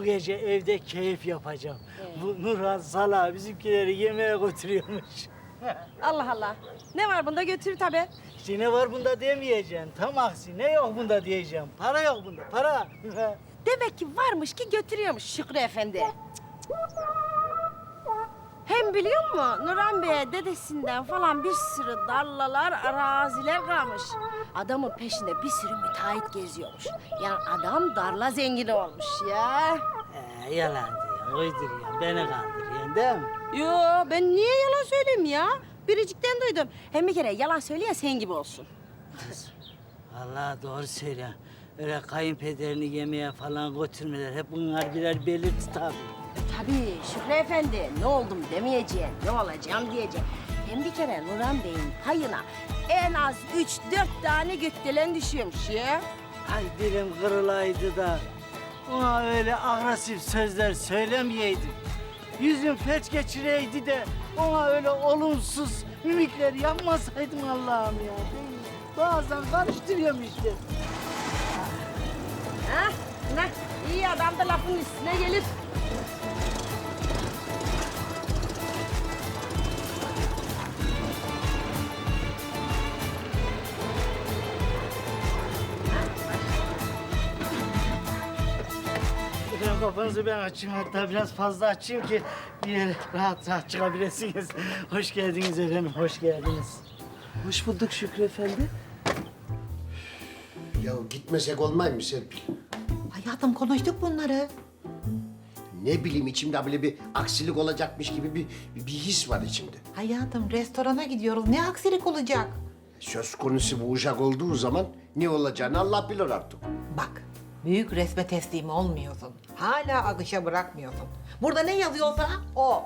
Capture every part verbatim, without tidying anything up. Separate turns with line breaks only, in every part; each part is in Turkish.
gece evde keyif yapacağım. Bu Nurhan Sala bizimkileri yemeğe götürüyormuş.
Allah Allah. Ne var bunda götür tabii.
İşte ne var bunda demeyeceksin. Tam aksi ne yok bunda diyeceğim. Para yok bunda, para.
Demek ki varmış ki götürüyormuş Şükrü Efendi. Hem biliyor musun Nurhan Bey'e dedesinden falan bir sürü tarlalar, araziler kalmış. Adamın peşinde bir sürü müteahhit geziyormuş. Yani adam darla zengini olmuş ya.
Ee, yalan diyor, uyduruyorsun, beni kandırıyorsun değil mi?
Yo ben niye yalan söyleyeyim ya? Biricikten duydum. Hem bir kere yalan söyleyen sen gibi olsun.
Vallahi doğru söylüyor. Öyle kayınpederini yemeğe falan götürmeler. Hep bunlar birer belirti tabii.
Tabii Şükrü Efendi ne oldum demeyeceğim, ne olacağım diyeceğim. Hem bir kere Nurhan Bey'in payına en az üç dört tane gökdelen düşüyormuş ya.
Ay dilim kırılaydı da ona öyle agresif sözler söylemeyeydim. Yüzüm felç geçireydi de ona öyle olumsuz mimikler yapmasaydım Allah'ım ya. Bazen karıştırıyorum işte.
Ha? Ne? İyi adam da lafın üstüne gelir.
Efendim kafanızı ben açayım, hatta biraz fazla açayım ki bir yere rahat rahat çıkabilirsiniz. Hoş geldiniz efendim, hoş geldiniz.
Hoş bulduk Şükrü Efendi.
Ya gitmesek olmaz mı Serpil?
Hayatım konuştuk bunları.
Ne bileyim içimde böyle bir aksilik olacakmış gibi bir, bir his var içimde.
Hayatım restorana gidiyoruz. Ne aksilik olacak?
Söz konusu bu uşak olduğu zaman ne olacağını Allah bilir artık.
Bak, büyük resme teslim olmuyorsun. Hala akışa bırakmıyorsun. Burada ne yazıyorsa o.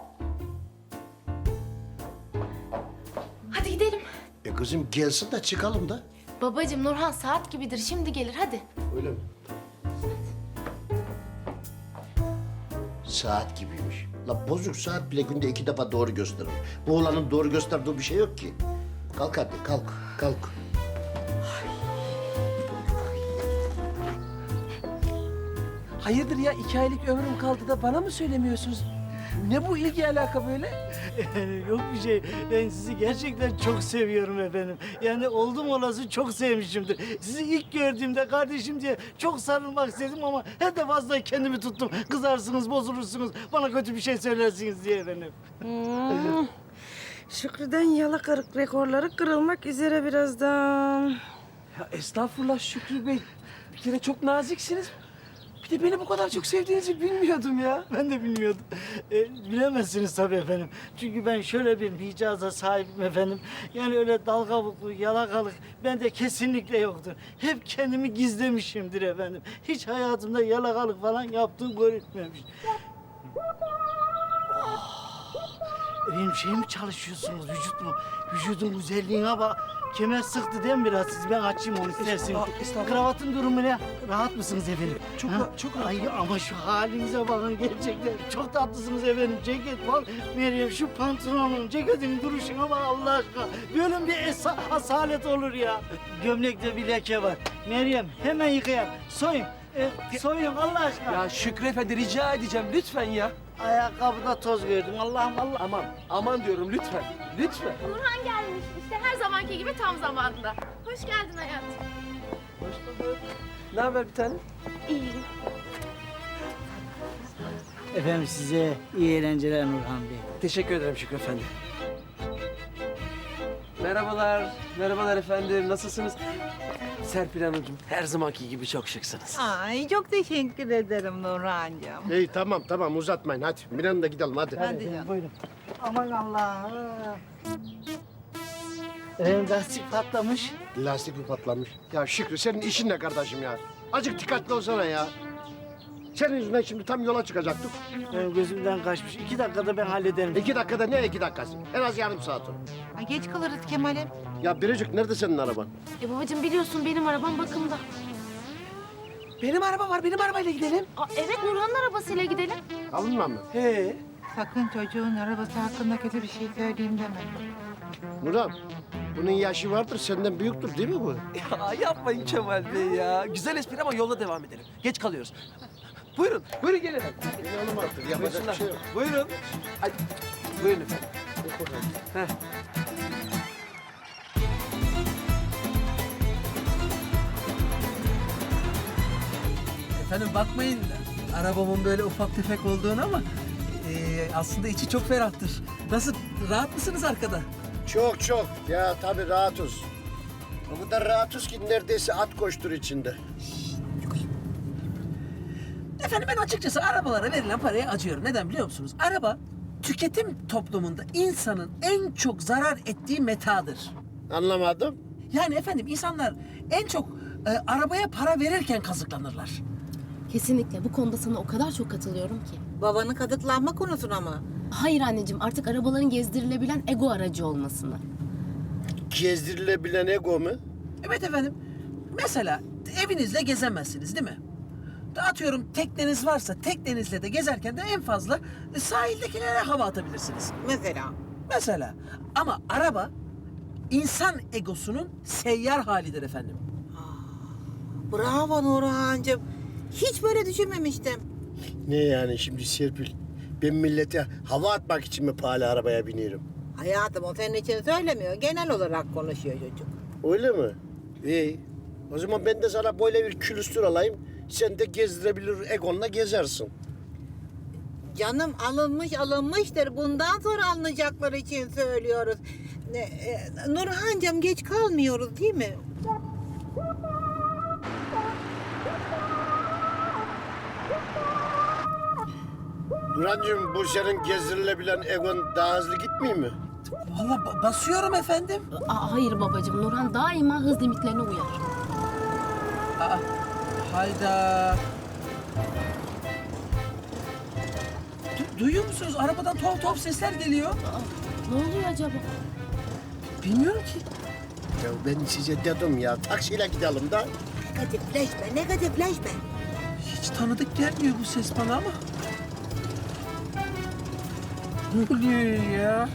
Hadi gidelim.
E kızım gelsin de çıkalım da.
Babacığım Nurhan saat gibidir. Şimdi gelir hadi.
Öyle mi? Saat gibiymiş. La bozuk saat bile günde iki defa doğru gösterir. Bu oğlanın doğru gösterdiği bir şey yok ki. Kalk hadi kalk, kalk.
Hayırdır ya iki aylık ömrüm kaldı da bana mı söylemiyorsunuz? Ne bu ilgi alaka böyle?
Yok bir şey, ben sizi gerçekten çok seviyorum efendim. Yani oldum olası çok sevmişimdir. Sizi ilk gördüğümde kardeşim diye çok sarılmak istedim ama her defasında kendimi tuttum. Kızarsınız, bozulursunuz, bana kötü bir şey söylersiniz diye efendim.
Hmm. Şükrü'den yalakalık rekorları kırılmak üzere birazdan.
Ya estağfurullah Şükrü Bey. Bir kere çok naziksiniz. Bir de beni bu kadar çok sevdiğinizi bilmiyordum ya.
Ben de bilmiyordum. E, bilemezsiniz tabii efendim. Çünkü ben şöyle bir micaza sahibim efendim. Yani öyle dalgavuklu, yalakalık bende kesinlikle yoktur. Hep kendimi gizlemişimdir efendim. Hiç hayatımda yalakalık falan yaptığım görülmemiş. Oh! Benim şey mi çalışıyorsunuz, vücut mu? Vücudun güzelliğine bak. Kemer sıktı değil mi biraz siz? Ben açayım onu isterseniz.
Aa, estağfurullah.
Kravatın durumu ne? Rahat mısınız efendim?
Çok
Ha?
rahat, çok rahat.
Ay ama şu halinize bakın gerçekten. Çok tatlısınız efendim. Ceket bak. Meryem şu pantolonun, ceketin duruşuna bak Allah aşkına. Böyle bir esa asalet olur ya. Gömlekte bir leke var. Meryem hemen yıkayalım. Soyun. E, soyun Allah aşkına.
Ya Şükrü Efendi rica edeceğim lütfen ya.
Ayakkabıda toz gördüm. Allah'ım Allah.
Aman, aman diyorum lütfen. Lütfen.
Nurhan gelmiş. İşte her zamanki gibi tam zamanında. Hoş geldin hayatım.
Hoş bulduk. Ne haber bir tane?
İyiyim.
Efendim size iyi eğlenceler Nurhan Bey.
Teşekkür ederim Şükrü Efendi. Merhabalar, merhabalar efendim. Nasılsınız? Serpil Hanımcığım, her zamanki gibi çok şıksınız.
Ay çok teşekkür ederim Nurhan'cığım.
İyi tamam tamam uzatmayın hadi. Miran'la gidelim hadi.
Hadi
efendim,
canım.
buyurun. Aman Allah. Efendim lastik patlamış.
Lastik mi patlamış? Ya Şükrü senin işin ne kardeşim ya? Azıcık dikkatli olsana ya. Senin yüzünden şimdi tam yola çıkacaktık.
Benim gözümden kaçmış. İki dakikada ben hallederim.
İki dakikada ne iki dakikası? En az yarım saat o.
Ay geç kalırız Kemal'im.
Ya Biricik nerede senin araban?
E babacığım biliyorsun benim arabam bakımda.
Benim araba var, benim arabayla gidelim.
Aa, evet Nurhan'ın arabasıyla gidelim.
Alınma mı?
He.
Sakın çocuğun arabası hakkında kötü bir şey söyleyeyim deme.
Nurhan, bunun yaşı vardır, senden büyüktür değil mi bu?
Ya yapmayın Kemal Bey ya. Güzel espri ama yolda devam edelim. Geç kalıyoruz. Buyurun, buyurun gelin efendim.
İnanım artık yapacak
Buyursunlar.
bir şey yok.
Buyurun. Hadi. Buyurun efendim. Heh. Efendim bakmayın arabamın böyle ufak tefek olduğunu ama eee, aslında içi çok ferahtır. Nasıl, rahat mısınız arkada?
Çok çok. Ya tabii rahatız. O kadar rahatız ki neredeyse at koştur içinde.
Efendim ben açıkçası arabalara verilen paraya acıyorum. Neden biliyor musunuz? Araba tüketim toplumunda insanın en çok zarar ettiği metadır.
Anlamadım.
Yani efendim insanlar en çok e, arabaya para verirken kazıklanırlar.
Kesinlikle bu konuda sana o kadar çok katılıyorum ki.
Babanın kadıklanma konusuna mı?
Hayır anneciğim artık arabaların gezdirilebilen ego aracı olmasını.
Gezdirilebilen ego mu?
Evet efendim. Mesela evinizle gezemezsiniz değil mi? Atıyorum tekneniz varsa teknenizle de gezerken de en fazla e, sahildekilere hava atabilirsiniz.
Mesela.
Mesela. Ama araba insan egosunun seyyar halidir efendim.
Bravo Nurhan'cığım. Hiç böyle düşünmemiştim.
Ne yani şimdi Serpil? Ben millete hava atmak için mi pahalı arabaya biniyorum?
Hayatım o senin için söylemiyor. Genel olarak konuşuyor çocuk.
Öyle mi? İyi. O zaman ben de sana böyle bir külüstür alayım. Sen de gezdirebilir egonla gezersin.
Canım alınmış alınmıştır. Bundan sonra alınacakları için söylüyoruz. E, e, Nurhan'cığım geç kalmıyoruz değil mi?
Nurhancığım bu senin gezdirilebilen egon daha hızlı gitmiyor mi?
Vallahi ba- basıyorum efendim.
Aa, hayır babacığım Nurhan daima hız limitlerine uyar.
Aa, hayda. Du- duyuyor musunuz? Arabadan tuhaf tuhaf sesler geliyor.
Aa, ne oluyor acaba?
Bilmiyorum ki.
Ya ben size dedim ya taksiyle gidelim da.
Negatifleşme, negatifleşme.
Hiç tanıdık gelmiyor bu ses bana ama. Ne oluyor ya?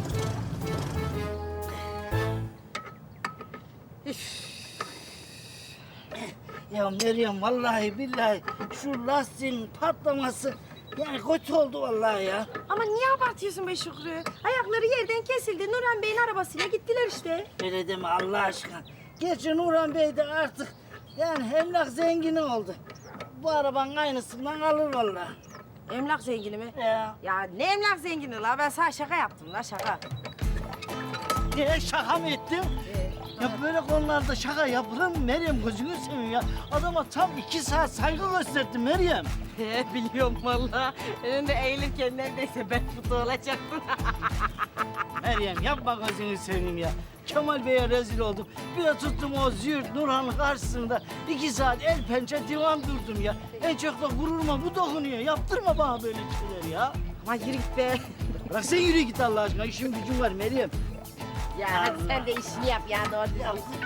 Ya Meryem vallahi billahi şu lastiğin patlaması yani kötü oldu vallahi ya.
Ama niye abartıyorsun be Şükrü? Ayakları yerden kesildi. Nurhan Bey'in arabasıyla gittiler işte.
Öyle deme Allah aşkına. Gerçi Nurhan Bey de artık yani emlak zengini oldu. Bu arabanın aynısından alır vallahi.
Emlak zengini mi?
Ya.
Ya ne emlak zengini la? Ben sana şaka yaptım la şaka.
Niye şaka mı ettim? Ya böyle konularda şaka yapılır mı Meryem gözünü seveyim ya. Adama tam iki saat saygı gösterdim Meryem.
He biliyorum vallahi. Önünde eğilirken neredeyse ben kutu olacaktım.
Meryem yapma gözünü seveyim ya. Kemal Bey'e rezil oldum. Bir de tuttum o züğürt Nurhan'ın karşısında iki saat el pençe divan durdum ya. En çok da gururuma bu dokunuyor. Yaptırma bana böyle şeyler ya.
Ama yürü git be.
Bırak sen yürü git Allah aşkına. İşim gücüm var Meryem.
Ya hadi sen de işini yap ya doğru
Ya,
düzgün.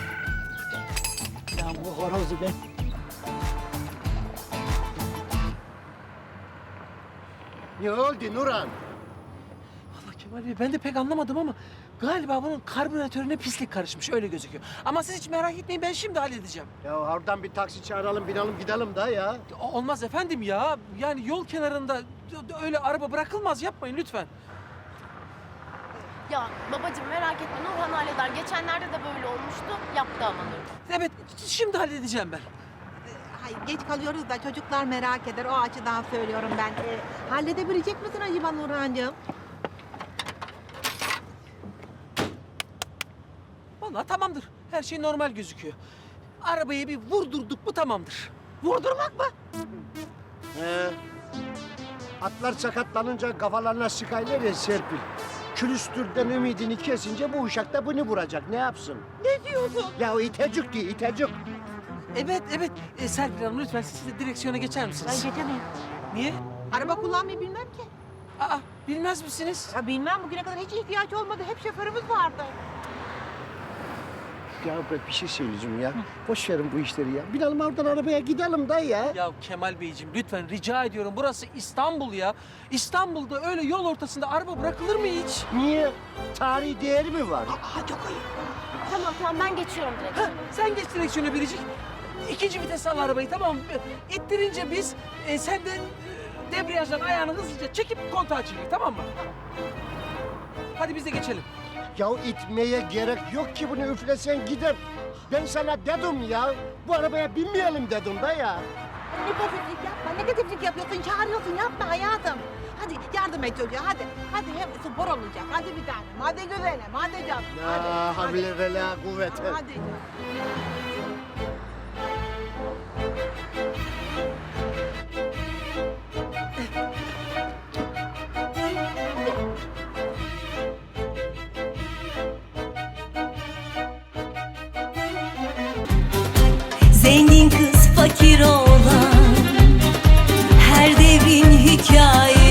ya bu horozu ben...
Ne oldu Nurhan?
Allah Kemal Bey ben de pek anlamadım ama galiba bunun karbüratörüne pislik karışmış öyle gözüküyor. Ama siz hiç merak etmeyin ben şimdi halledeceğim.
Ya oradan bir taksi çağıralım, binelim gidelim da ya.
O- Olmaz efendim ya. Yani yol kenarında öyle araba bırakılmaz yapmayın lütfen.
Ya babacığım merak etme Nurhan halleder. Geçenlerde de böyle olmuştu. Yaptı ama Nurhan.
Evet şimdi halledeceğim ben.
Hayır, geç kalıyoruz da çocuklar merak eder. O açıdan söylüyorum ben. E, halledebilecek misin acaba Nurhan'cığım?
Vallahi tamamdır. Her şey normal gözüküyor. Arabayı bir vurdurduk mu tamamdır. Vurdurmak mı?
He. Atlar sakatlanınca kafalarına sıkaylar ya Serpil. Külüstürden ümidini kesince bu uşak da bunu vuracak. Ne yapsın?
Ne diyorsun?
Ya o itecik diyor, itecik.
Evet evet. E, Serpil Hanım lütfen siz de direksiyona geçer
Ben
misiniz?
geçemem.
Niye?
Araba kullanmayı bilmem ki.
Aa bilmez misiniz?
Ya bilmem bugüne kadar hiç ihtiyaç olmadı. Hep şoförümüz vardı.
Ya ben bir şey söyleyeceğim ya. Boş verin bu işleri ya. Binelim oradan arabaya gidelim da ya.
Ya Kemal Beyciğim lütfen rica ediyorum. Burası İstanbul ya. İstanbul'da öyle yol ortasında araba bırakılır mı hiç?
Niye? Tarihi değeri mi var?
Aa çok ayıp.
Tamam tamam ben geçiyorum direkt.
Ha, sen geç direksiyona Biricik. ikinci vites al arabayı, tamam mı? İttirince biz e, senden e, debriyajdan ayağını hızlıca çekip kontağı çevir, tamam mı? Hadi biz de geçelim.
Ya itmeye gerek yok ki, bunu üflesen gider. Ben sana dedim ya, bu arabaya binmeyelim dedim da ya.
Negatiflik yapma, negatiflik yapıyorsun, çağırıyorsun, yapma hayatım. Hadi yardım et çocuğa, hadi. Hadi hem spor olacak, hadi bir tanem, hadi güzelim, hadi canım. Hadi,
La
hadi.
havle ve la kuvvete.
Hadi canım.
Zengin kız fakir oğlan, her devrin hikayesi.